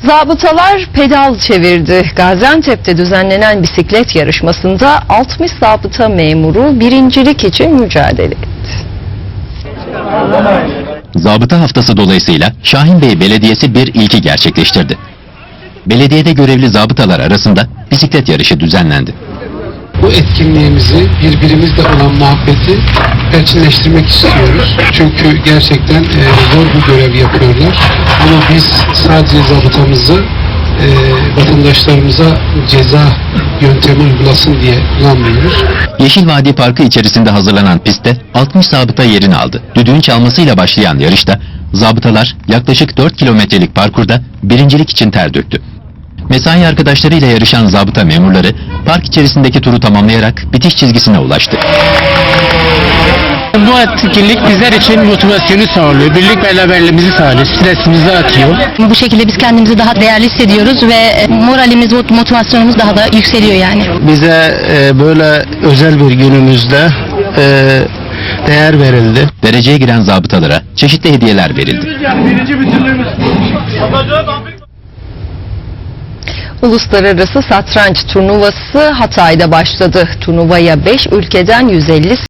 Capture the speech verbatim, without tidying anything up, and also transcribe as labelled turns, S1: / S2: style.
S1: Zabıtalar pedal çevirdi. Gaziantep'te düzenlenen bisiklet yarışmasında altmış zabıta memuru birincilik için mücadele etti.
S2: Zabıta haftası dolayısıyla Şahinbey Belediyesi bir ilki gerçekleştirdi. Belediyede görevli zabıtalar arasında bisiklet yarışı düzenlendi.
S3: Bu etkinliğimizi, birbirimizle olan muhabbeti perçinleştirmek istiyoruz. Çünkü gerçekten e, zor bir görev yapıyorlar. Ama biz sadece zabıtamızı e, vatandaşlarımıza ceza yöntemi uygulasın diye kullanmıyoruz.
S2: Yeşil Vadi Parkı içerisinde hazırlanan pistte altmış zabıta yerini aldı. Düdüğün çalmasıyla başlayan yarışta zabıtalar yaklaşık dört kilometrelik parkurda birincilik için ter döktü. Mesai arkadaşlarıyla yarışan zabıta memurları park içerisindeki turu tamamlayarak bitiş çizgisine ulaştı.
S4: Bu etkinlik bizler için motivasyonu sağlıyor, birlik beraberliğimizi sağlıyor, stresimizi atıyor.
S5: Bu şekilde biz kendimizi daha değerli hissediyoruz ve moralimiz, motivasyonumuz daha da yükseliyor yani.
S4: Bize e, böyle özel bir günümüzde e, değer verildi.
S2: Dereceye giren zabıtalara çeşitli hediyeler verildi.
S1: Uluslararası Satranç Turnuvası Hatay'da başladı. Turnuvaya beş ülkeden yüz elli